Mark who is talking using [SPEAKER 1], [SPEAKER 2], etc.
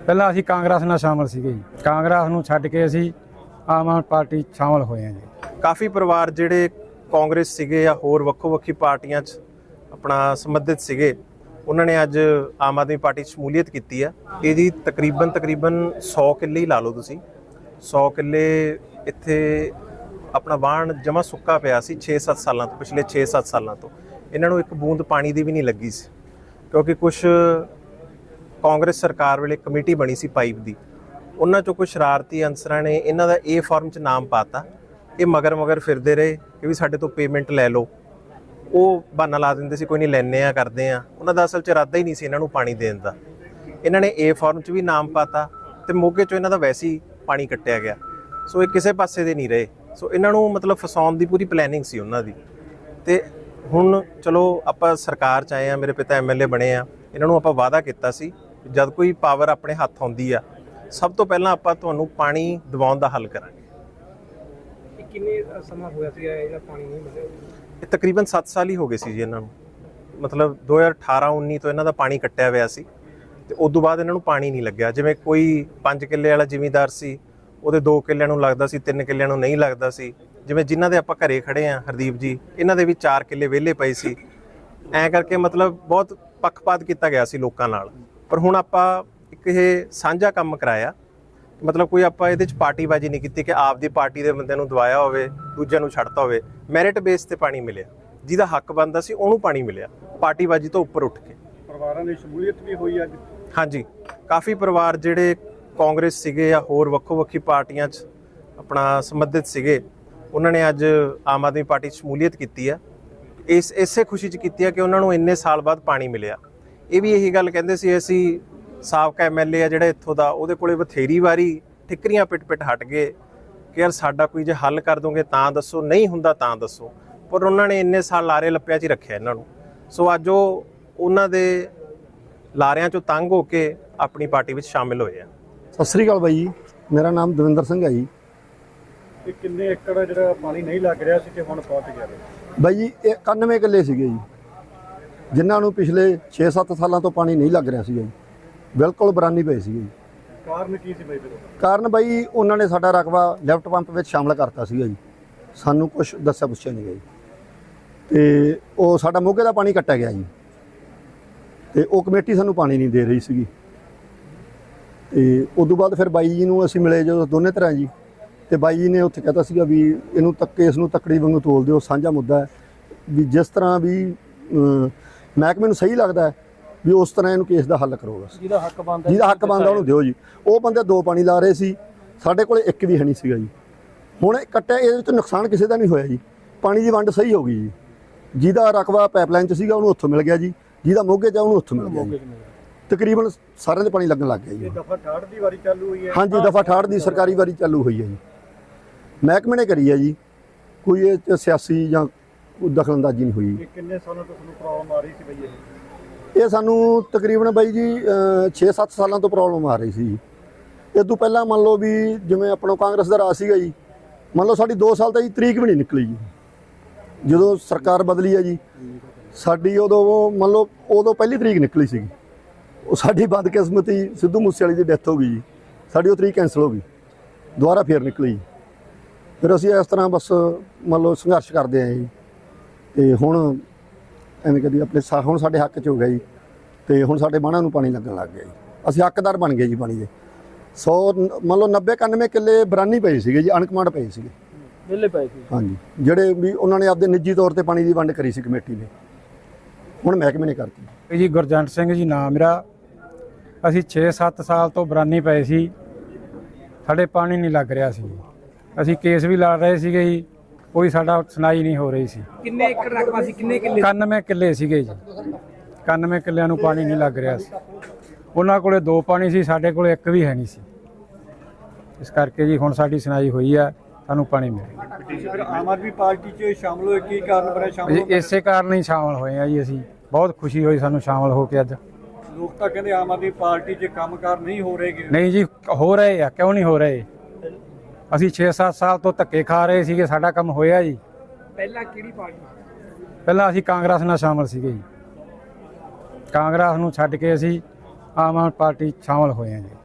[SPEAKER 1] ਪਹਿਲਾਂ ਅਸੀਂ ਕਾਂਗਰਸ ਨਾਲ ਸ਼ਾਮਲ ਸੀਗੇ ਜੀ। ਕਾਂਗਰਸ ਨੂੰ ਛੱਡ ਕੇ ਅਸੀਂ ਆਮ ਆਦਮੀ ਪਾਰਟੀ ਸ਼ਾਮਲ ਹੋਏ ਹਾਂ ਜੀ।
[SPEAKER 2] ਕਾਫੀ ਪਰਿਵਾਰ ਜਿਹੜੇ ਕਾਂਗਰਸ ਸੀਗੇ ਜਾਂ ਹੋਰ ਵੱਖੋ-ਵੱਖੀ ਪਾਰਟੀਆਂ 'ਚ ਆਪਣਾ ਸੰਬੰਧਿਤ ਸੀਗੇ, ਉਹਨਾਂ ਨੇ ਅੱਜ ਆਮ ਆਦਮੀ ਪਾਰਟੀ 'ਚ ਸ਼ਮੂਲੀਅਤ ਕੀਤੀ ਆ। ਇਹ ਜੀ ਤਕਰੀਬਨ 100 ਕਿੱਲੇ ਹੀ ਲਾ ਲਓ ਤੁਸੀਂ। 100 ਕਿੱਲੇ ਇੱਥੇ ਆਪਣਾ ਵਾਹਣ ਜਮਾ ਸੁੱਕਾ ਪਿਆ ਸੀ 6-7 ਸਾਲਾਂ ਤੋਂ, ਪਿਛਲੇ 6-7 ਸਾਲਾਂ ਤੋਂ। ਇਹਨਾਂ ਨੂੰ ਇੱਕ ਬੂੰਦ ਪਾਣੀ ਦੀ ਵੀ ਨਹੀਂ ਲੱਗੀ ਸੀ, ਕਿਉਂਕਿ ਕੁਛ ਕਾਂਗਰਸ ਸਰਕਾਰ ਵੇਲੇ ਕਮੇਟੀ ਬਣੀ ਸੀ ਪਾਈਪ ਦੀ, ਉਹਨਾਂ 'ਚੋਂ ਕੁਝ ਸ਼ਰਾਰਤੀ ਅਨਸਰਾਂ ਨੇ ਇਹਨਾਂ ਦਾ ਇਹ ਫਾਰਮ 'ਚ ਨਾਮ ਪਾਤਾ। ਇਹ ਮਗਰ ਫਿਰਦੇ ਰਹੇ ਕਿ ਵੀ ਸਾਡੇ ਤੋਂ ਪੇਮੈਂਟ ਲੈ ਲਓ। ਉਹ ਬਹਾਨਾ ਲਾ ਦਿੰਦੇ ਸੀ ਕੋਈ ਨਹੀਂ ਲੈਂਦੇ ਆ ਕਰਦੇ ਆ। ਉਹਨਾਂ ਦਾ ਅਸਲ 'ਚ ਇਰਾਦਾ ਹੀ ਨਹੀਂ ਸੀ ਇਹਨਾਂ ਨੂੰ ਪਾਣੀ ਦੇਣ ਦਾ। ਇਹਨਾਂ ਨੇ ਇਹ ਫਾਰਮ 'ਚ ਵੀ ਨਾਮ ਪਾਤਾ ਤੇ ਮੋਗੇ 'ਚੋਂ ਇਹਨਾਂ ਦਾ ਵੈਸੇ ਹੀ ਪਾਣੀ ਕੱਟਿਆ ਗਿਆ। ਸੋ ਇਹ ਕਿਸੇ ਪਾਸੇ ਦੇ ਨਹੀਂ ਰਹੇ। ਸੋ ਇਹਨਾਂ ਨੂੰ ਮਤਲਬ ਫਸਾਉਣ ਦੀ ਪੂਰੀ ਪਲੈਨਿੰਗ ਸੀ ਉਹਨਾਂ ਦੀ। ਤੇ ਹੁਣ ਚਲੋ ਆਪਾਂ ਸਰਕਾਰ 'ਚ ਆਏ ਆ, ਮੇਰੇ ਪਿਤਾ MLA ਬਣੇ ਆ। ਇਹਨਾਂ ਨੂੰ ਆਪਾਂ ਵਾਅਦਾ ਕੀਤਾ ਸੀ ਜਦ ਕੋਈ ਪਾਵਰ ਆਪਣੇ ਹੱਥ ਆਉਂਦੀ ਆ, ਸਭ ਤੋਂ ਪਹਿਲਾਂ ਆਪਾਂ ਤੁਹਾਨੂੰ ਪਾਣੀ ਦਿਵਾਉਣ ਦਾ ਹੱਲ ਕਰਾਂਗੇ।
[SPEAKER 3] ਕਿੰਨੇ ਸਮਾਂ ਹੋਇਆ ਸੀ ਇਹਦਾ ਪਾਣੀ ਨਹੀਂ ਮਿਲਿਆ?
[SPEAKER 2] ਇਹ ਤਕਰੀਬਨ 7 ਸਾਲ ਹੀ ਹੋ ਗਏ ਸੀ ਜੀ ਇਹਨਾਂ ਨੂੰ। ਮਤਲਬ 2018-19 ਤੋਂ ਇਹਨਾਂ ਦਾ ਪਾਣੀ ਕੱਟਿਆ ਹੋਇਆ ਸੀ ਤੇ ਉਸ ਤੋਂ ਬਾਅਦ ਇਹਨਾਂ ਨੂੰ ਪਾਣੀ ਨਹੀਂ ਲੱਗਿਆ। ਜਿਵੇਂ ਕੋਈ 5 ਕਿੱਲੇ ਵਾਲਾ ਜ਼ਿਮੀਂਦਾਰ ਸੀ, ਉਹਦੇ 2 ਕਿੱਲਿਆਂ ਨੂੰ ਲੱਗਦਾ ਸੀ, 3 ਕਿੱਲਿਆਂ ਨੂੰ ਨਹੀਂ ਲੱਗਦਾ ਸੀ। ਜਿਵੇਂ ਜਿਨ੍ਹਾਂ ਦੇ ਆਪਾਂ ਘਰੇ ਖੜੇ ਆ ਹਰਦੀਪ ਜੀ, ਇਹਨਾਂ ਦੇ ਵੀ 4 ਕਿੱਲੇ ਵਿਹਲੇ ਪਏ ਸੀ। ਐਂ ਕਰਕੇ ਮਤਲਬ ਬਹੁਤ ਪੱਖਪਾਤ ਕੀਤਾ ਗਿਆ ਸੀ ਲੋਕਾਂ ਨਾਲ। ਪਰ ਹੁਣ ਆਪਾਂ ਇੱਕ ਇਹ ਸਾਂਝਾ ਕੰਮ ਕਰਾਇਆ, ਮਤਲਬ ਕੋਈ ਆਪਾਂ ਇਹਦੇ 'ਚ ਪਾਰਟੀਬਾਜ਼ੀ ਨਹੀਂ ਕੀਤੀ ਕਿ ਆਪਦੀ ਪਾਰਟੀ ਦੇ ਬੰਦਿਆਂ ਨੂੰ ਦਵਾਇਆ ਹੋਵੇ, ਦੂਜਿਆਂ ਨੂੰ ਛੱਡਤਾ ਹੋਵੇ। ਮੈਰਿਟ ਬੇਸ ਤੇ ਪਾਣੀ ਮਿਲਿਆ, ਜਿਹਦਾ ਹੱਕ ਬਣਦਾ ਸੀ ਉਹਨੂੰ ਪਾਣੀ ਮਿਲਿਆ, ਪਾਰਟੀਬਾਜ਼ੀ ਤੋਂ ਉੱਪਰ ਉੱਠ ਕੇ।
[SPEAKER 3] ਪਰਿਵਾਰਾਂ ਦੀ ਸ਼ਮੂਲੀਅਤ ਵੀ ਹੋਈ ਅੱਜ?
[SPEAKER 2] ਹਾਂਜੀ, ਕਾਫੀ ਪਰਿਵਾਰ ਜਿਹੜੇ ਕਾਂਗਰਸ ਸੀਗੇ ਜਾਂ ਹੋਰ ਵੱਖੋ-ਵੱਖੀ ਪਾਰਟੀਆਂ 'ਚ ਆਪਣਾ ਸੰਬੰਧਿਤ ਸੀਗੇ, ਉਹਨਾਂ ਨੇ ਅੱਜ ਆਮ ਆਦਮੀ ਪਾਰਟੀ 'ਚ ਸ਼ਮੂਲੀਅਤ ਕੀਤੀ ਆ। ਇਸੇ ਖੁਸ਼ੀ 'ਚ ਕੀਤੀ ਆ ਕਿ ਉਹਨਾਂ ਨੂੰ ਇੰਨੇ ਸਾਲ ਬਾਅਦ ਪਾਣੀ ਮਿਲਿਆ। ਇਹ ਵੀ ਇਹੀ ਗੱਲ ਕਹਿੰਦੇ ਸੀ, ਅਸੀਂ ਸਾਬਕਾ MLA ਆ ਜਿਹੜਾ ਇੱਥੋਂ ਦਾ, ਉਹਦੇ ਕੋਲੇ ਬਥੇਰੀ ਵਾਰੀ ਠਿੱਕਰੀਆਂ ਪਿੱਟ ਹਟ ਗਏ ਕਿ ਯਾਰ ਸਾਡਾ ਕੋਈ ਜੇ ਹੱਲ ਕਰ ਦੋਗੇ ਤਾਂ ਦੱਸੋ, ਨਹੀਂ ਹੁੰਦਾ ਤਾਂ ਦੱਸੋ। ਪਰ ਉਹਨਾਂ ਨੇ ਇੰਨੇ ਸਾਲ ਲਾਰੇ ਲੱਪਿਆਂ 'ਚ ਹੀ ਰੱਖਿਆ ਇਹਨਾਂ ਨੂੰ। ਸੋ ਅੱਜ ਉਹ ਉਹਨਾਂ ਦੇ ਲਾਰਿਆਂ 'ਚੋਂ ਤੰਗ ਹੋ ਕੇ ਆਪਣੀ ਪਾਰਟੀ ਵਿੱਚ ਸ਼ਾਮਿਲ ਹੋਏ ਆ।
[SPEAKER 4] ਸਤਿ ਸ੍ਰੀ ਅਕਾਲ ਬਾਈ ਜੀ, ਮੇਰਾ ਨਾਮ ਦਵਿੰਦਰ ਸਿੰਘ ਹੈ ਜੀ।
[SPEAKER 3] ਇਹ ਕਿੰਨੇ ਏਕੜ ਜਿਹੜਾ ਪਾਣੀ ਨਹੀਂ ਲੱਗ ਰਿਹਾ ਸੀ ਤੇ ਹੁਣ ਪਹੁੰਚ ਗਿਆ
[SPEAKER 4] ਬਾਈ ਜੀ ਇਹ 91 ਕਿੱਲੇ ਸੀਗੇ ਜੀ, ਜਿਨ੍ਹਾਂ ਨੂੰ ਪਿਛਲੇ 6-7 ਸਾਲਾਂ ਤੋਂ ਪਾਣੀ ਨਹੀਂ ਲੱਗ ਰਿਹਾ ਸੀਗਾ ਜੀ। ਬਿਲਕੁਲ ਬਰਾਨੀ ਪਏ ਸੀਗੇ ਜੀ।
[SPEAKER 3] ਕਾਰਨ ਕੀ ਸੀ ਬਾਈ?
[SPEAKER 4] ਕਾਰਨ ਬਾਈ ਉਹਨਾਂ ਨੇ ਸਾਡਾ ਰਕਬਾ ਲੈਫਟ ਪੰਪ ਵਿੱਚ ਸ਼ਾਮਲ ਕਰਤਾ ਸੀਗਾ ਜੀ। ਸਾਨੂੰ ਕੁਝ ਦੱਸਿਆ ਪੁੱਛਿਆ ਨਹੀਂ ਗਿਆ ਜੀ, ਤੇ ਉਹ ਸਾਡਾ ਮੋਗੇ ਦਾ ਪਾਣੀ ਕੱਟਿਆ ਗਿਆ ਜੀ। ਤੇ ਉਹ ਕਮੇਟੀ ਸਾਨੂੰ ਪਾਣੀ ਨਹੀਂ ਦੇ ਰਹੀ ਸੀਗੀ। ਤੇ ਉਸ ਤੋਂ ਬਾਅਦ ਫਿਰ ਬਾਈ ਜੀ ਨੂੰ ਅਸੀਂ ਮਿਲੇ ਜਦੋਂ ਦੋਨੇ ਤਰ੍ਹਾਂ ਜੀ, ਤੇ ਬਾਈ ਜੀ ਨੇ ਉੱਥੇ ਕਹਿਤਾ ਸੀਗਾ ਵੀ ਇਹਨੂੰ ਕੇਸ ਨੂੰ ਤੱਕੜੀ ਵਾਂਗੂ ਤੋਲ ਦਿਓ, ਸਾਂਝਾ ਮੁੱਦਾ ਹੈ ਵੀ ਜਿਸ ਤਰ੍ਹਾਂ ਵੀ ਮਹਿਕਮੇ ਨੂੰ ਸਹੀ ਲੱਗਦਾ ਵੀ ਉਸ ਤਰ੍ਹਾਂ ਇਹਨੂੰ ਕੇਸ ਦਾ ਹੱਲ ਕਰੋ। ਬਸ ਜਿਹਦਾ ਹੱਕ ਬਣਦਾ ਉਹਨੂੰ ਦਿਓ ਜੀ। ਉਹ ਬੰਦੇ 2 ਪਾਣੀ ਲਾ ਰਹੇ ਸੀ, ਸਾਡੇ ਕੋਲ ਇੱਕ ਵੀ ਹੈ ਨਹੀਂ ਸੀਗਾ ਜੀ। ਹੁਣ ਕੱਟਿਆ, ਇਹਦੇ ਵਿੱਚ ਨੁਕਸਾਨ ਕਿਸੇ ਦਾ ਨਹੀਂ ਹੋਇਆ ਜੀ। ਪਾਣੀ ਦੀ ਵੰਡ ਸਹੀ ਹੋ ਗਈ ਜੀ। ਜਿਹਦਾ ਰਕਬਾ ਪਾਈਪਲਾਈਨ 'ਚ ਸੀਗਾ ਉਹਨੂੰ ਉੱਥੋਂ ਮਿਲ ਗਿਆ ਜੀ, ਜਿਹਦਾ ਮੋਗੇ 'ਚ ਉਹਨੂੰ ਉੱਥੋਂ ਮਿਲ ਗਿਆ ਜੀ। ਤਕਰੀਬਨ ਸਾਰਿਆਂ ਦੇ ਪਾਣੀ ਲੱਗਣ ਲੱਗ ਗਿਆ ਜੀ।
[SPEAKER 3] ਦਫਾ 68 ਦੀ ਵਾਰੀ ਚਾਲੂ ਹੋਈ ਹੈ? ਹਾਂਜੀ,
[SPEAKER 4] ਦਫਾ 68 ਦੀ ਸਰਕਾਰੀ ਵਾਰੀ ਚਾਲੂ ਹੋਈ ਹੈ ਜੀ। ਮਹਿਕਮੇ ਨੇ ਕਰੀ ਹੈ ਜੀ, ਕੋਈ ਇਹ 'ਚ ਸਿਆਸੀ ਜਾਂ ਕੋਈ ਦਖਲਅੰਦਾਜ਼ੀ ਨਹੀਂ ਹੋਈ।
[SPEAKER 3] ਇਹ ਕਿੰਨੇ ਸਾਲਾਂ ਤੋਂ ਤੁਹਾਨੂੰ ਪ੍ਰੋਬਲਮ ਆ ਰਹੀ ਸੀ ਬਈ?
[SPEAKER 4] ਇਹ ਸਾਨੂੰ ਤਕਰੀਬਨ ਬਾਈ ਜੀ 6-7 ਸਾਲਾਂ ਤੋਂ ਪ੍ਰੋਬਲਮ ਆ ਰਹੀ ਸੀ। ਇਹ ਤੋਂ ਪਹਿਲਾਂ ਮੰਨ ਲਓ ਵੀ ਜਿਵੇਂ ਆਪਣਾ ਕਾਂਗਰਸ ਦਾ ਰਾਜ ਸੀਗਾ ਜੀ, ਮੰਨ ਲਓ ਸਾਡੀ 2 ਸਾਲ ਤਾਂ ਜੀ ਤਰੀਕ ਵੀ ਨਹੀਂ ਨਿਕਲੀ ਜੀ। ਜਦੋਂ ਸਰਕਾਰ ਬਦਲੀ ਹੈ ਜੀ ਸਾਡੀ, ਉਦੋਂ ਮੰਨ ਲਓ ਉਦੋਂ ਪਹਿਲੀ ਤਰੀਕ ਨਿਕਲੀ ਸੀਗੀ। ਉਹ ਸਾਡੀ ਬਦਕਿਸਮਤੀ ਸਿੱਧੂ ਮੂਸੇਵਾਲੇ ਦੀ ਡੈਥ ਹੋ ਗਈ ਜੀ, ਸਾਡੀ ਉਹ ਤਰੀਕ ਕੈਂਸਲ ਹੋ ਗਈ, ਦੁਬਾਰਾ ਫੇਰ ਨਿਕਲੀ ਜੀ। ਫਿਰ ਅਸੀਂ ਇਸ ਤਰ੍ਹਾਂ ਬਸ ਮੰਨ ਲਓ ਸੰਘਰਸ਼ ਕਰਦੇ ਆਏ ਜੀ। ਤੇ ਹੁਣ ਐਵੇਂ ਕਦੀ ਆਪਣੇ ਹੁਣ ਸਾਡੇ ਹੱਕ 'ਚ ਹੋ ਗਿਆ ਜੀ, ਤੇ ਹੁਣ ਸਾਡੇ ਬਾਣਾਂ ਨੂੰ ਪਾਣੀ ਲੱਗਣ ਲੱਗ ਗਿਆ ਜੀ। ਅਸੀਂ ਹੱਕਦਾਰ ਬਣ ਗਏ ਜੀ ਪਾਣੀ ਦੇ। 100 ਮੰਨ ਲਓ 90-91 ਕਿੱਲੇ ਬਰਾਨੀ ਪਏ ਸੀਗੇ ਜੀ, ਅਣਕਮਾਂਡ ਪਏ ਸੀਗੇ,
[SPEAKER 3] ਵਿਹਲੇ ਪਏ ਸੀ।
[SPEAKER 4] ਹਾਂਜੀ, ਜਿਹੜੇ ਵੀ ਉਹਨਾਂ ਨੇ ਆਪਦੇ ਨਿੱਜੀ ਤੌਰ ਤੇ ਪਾਣੀ ਦੀ ਵੰਡ ਕਰੀ ਸੀ ਕਮੇਟੀ ਨੇ, ਹੁਣ ਮਹਿਕਮੇ ਨੇ ਕਰਤੀ
[SPEAKER 1] ਜੀ। ਗੁਰਜੰਟ ਸਿੰਘ ਜੀ ਨਾਮ ਮੇਰਾ। ਅਸੀਂ 6-7 ਸਾਲ ਤੋਂ ਬਰਾਨੀ ਪਏ ਸੀ, ਸਾਡੇ ਪਾਣੀ ਨਹੀਂ ਲੱਗ ਰਿਹਾ ਸੀ। ਅਸੀਂ ਕੇਸ ਵੀ ਲੜ ਰਹੇ ਸੀਗੇ ਜੀ, ਕੋਈ ਸਾਡਾ ਸੁਣਾਈ ਨਹੀਂ ਹੋ ਰਹੀ ਸੀ।
[SPEAKER 3] ਕਿੰਨੇ ਏਕੜ ਰਕਬਾ ਸੀ? ਕਿੰਨੇ ਕਿੱਲੇ?
[SPEAKER 1] 91 ਕਿੱਲੇ ਸੀਗੇ ਜੀ। 91 ਕਿੱਲਿਆਂ ਨੂੰ ਪਾਣੀ ਨਹੀਂ ਲੱਗ ਰਿਹਾ ਸੀ। ਉਹਨਾਂ ਕੋਲੇ 2 ਪਾਣੀ ਸੀ, ਸਾਡੇ ਕੋਲੇ ਇੱਕ ਵੀ ਹੈ ਨਹੀਂ ਸੀ। ਇਸ ਕਰਕੇ ਜੀ ਹੁਣ ਸਾਡੀ ਸੁਣਾਈ ਹੋਈ ਆ, ਸਾਨੂੰ ਪਾਣੀ ਮਿਲੇ।
[SPEAKER 3] ਤੁਸੀਂ ਫਿਰ ਆਮ ਆਦਮੀ ਪਾਰਟੀ 'ਚ ਸ਼ਾਮਲ ਹੋਏ, ਕੀ ਕਾਰਨ ਬਣਿਆ ਸ਼ਾਮਲ ਹੋਣ ਦਾ?
[SPEAKER 1] ਇਸੇ ਕਾਰਨ ਹੀ ਸ਼ਾਮਲ ਹੋਏ ਆ ਜੀ। ਅਸੀਂ ਬਹੁਤ ਖੁਸ਼ੀ ਹੋਈ ਸਾਨੂੰ ਸ਼ਾਮਲ ਹੋ ਕੇ ਅੱਜ।
[SPEAKER 3] ਲੋਕ ਤਾਂ ਕਹਿੰਦੇ ਆਮ ਆਦਮੀ ਪਾਰਟੀ 'ਚ ਕੰਮਕਾਰ ਨਹੀਂ ਹੋ ਰਹੇ।
[SPEAKER 1] ਨਹੀਂ ਜੀ, ਹੋ ਰਹੇ ਆ, ਕਿਉਂ ਨਹੀਂ ਹੋ ਰਹੇ। ਅਸੀਂ 6-7 ਸਾਲ ਤੋਂ ਧੱਕੇ ਖਾ ਰਹੇ ਸੀਗੇ, ਸਾਡਾ ਕੰਮ ਹੋਇਆ ਜੀ।
[SPEAKER 3] ਪਹਿਲਾਂ ਕਿਹੜੀ ਪਾਰਟੀ?
[SPEAKER 1] ਪਹਿਲਾਂ ਅਸੀਂ ਕਾਂਗਰਸ ਨਾਲ ਸ਼ਾਮਲ ਸੀਗੇ ਜੀ। ਕਾਂਗਰਸ ਨੂੰ ਛੱਡ ਕੇ ਅਸੀਂ ਆਮ ਆਦਮੀ ਪਾਰਟੀ ਸ਼ਾਮਲ ਹੋਏ ਹਾਂ ਜੀ।